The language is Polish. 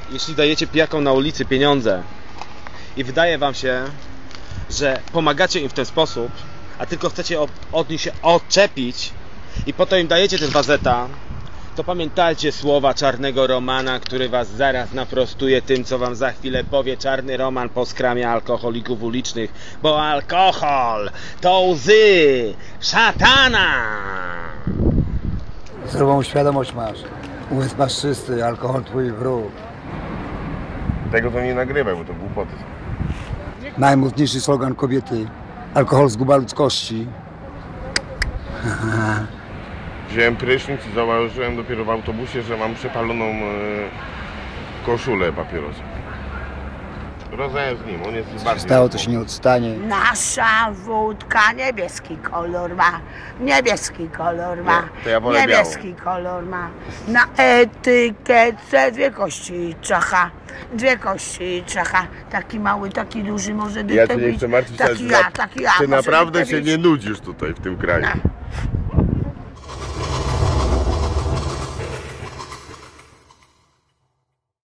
jeśli dajecie pijakom na ulicy pieniądze i wydaje wam się, że pomagacie im w ten sposób, a tylko chcecie od nich się odczepić i potem im dajecie ten 2 zeta, to pamiętajcie słowa czarnego Romana, który was zaraz naprostuje tym, co wam za chwilę powie czarny Roman po skramie alkoholików ulicznych, bo alkohol to łzy szatana! Zdrową świadomość masz. Umysł masz czysty, alkohol twój wróg. Tego to nie nagrywaj, bo to głupoty są. Najmocniejszy slogan kobiety. Alkohol zguba ludzkości. Wziąłem prysznic i zauważyłem dopiero w autobusie, że mam przepaloną koszulę papierosa. Rozmawiam z nim, on jest bardziej... Stało to się nie odstanie. Nasza wódka niebieski kolor ma, niebieski kolor ma, Nie, to ja wolę niebieski kolor ma. Na etykietce 2 kości czacha, 2 kości czacha. Taki mały, taki duży może Ja cię nie chcę martwić, taki ja, ty może naprawdę dytę się być. nie nudzisz tutaj w tym kraju. No.